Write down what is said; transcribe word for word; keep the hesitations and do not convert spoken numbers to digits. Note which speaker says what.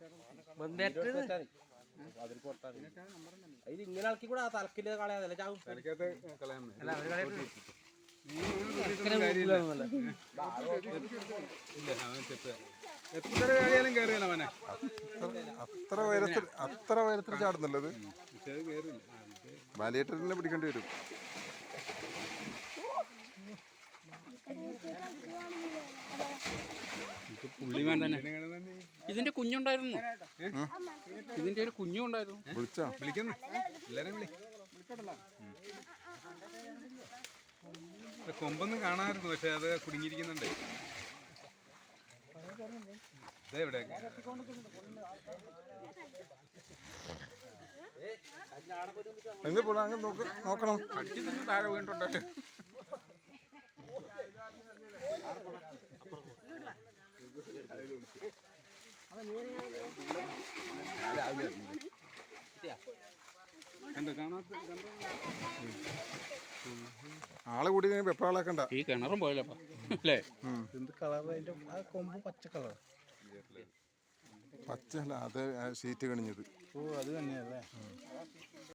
Speaker 1: അതിൽ ഇങ്ങനെ ആൾക്കി കൂടെ തലക്കില് കളയാതല്ല ചാവും.
Speaker 2: എത്ര കാര്യാലും കയറിയല്ല അവനെ.
Speaker 3: അത്ര ഉയരത്തിൽ അത്ര ഉയരത്തിൽ ചാടുന്നുള്ളത് ബാലിയേറ്ററിനെ പിടിക്കേണ്ടി വരും.
Speaker 2: പുള്ളിമാൻ തന്നെ. ഇതിന്റെ കുഞ്ഞുണ്ടായിരുന്നു, ഇതിന്റെ ഒരു കുഞ്ഞും ഉണ്ടായിരുന്നു.
Speaker 3: വിളിച്ചോ?
Speaker 2: വിളിക്കുന്നു എല്ലാരും വിളി. കൊമ്പൊന്നും കാണാമായിരുന്നു, പക്ഷെ അത് കുടുങ്ങിയിരിക്കുന്നുണ്ട്. ഇതെവിടെ
Speaker 3: എങ്ങനെ പോടാ? അങ്ങ് നോക്കണം.
Speaker 2: അടിച്ചു നിന്ന് താഴെ വീണിട്ടുണ്ടല്ലോ.
Speaker 3: ആള് കൂടി വെപ്പാളാക്കണ്ട.
Speaker 2: ഈ കിണറും പോയല്ലോ അല്ലേ?
Speaker 1: എന്ത് കളർ? അതിന്റെ ആ കൊമ്പ് പച്ച കളർ.
Speaker 3: പച്ചല്ല, അത് ഷീറ്റ് കണിഞ്ഞത്.
Speaker 1: ഓ അത് തന്നെയല്ലേ.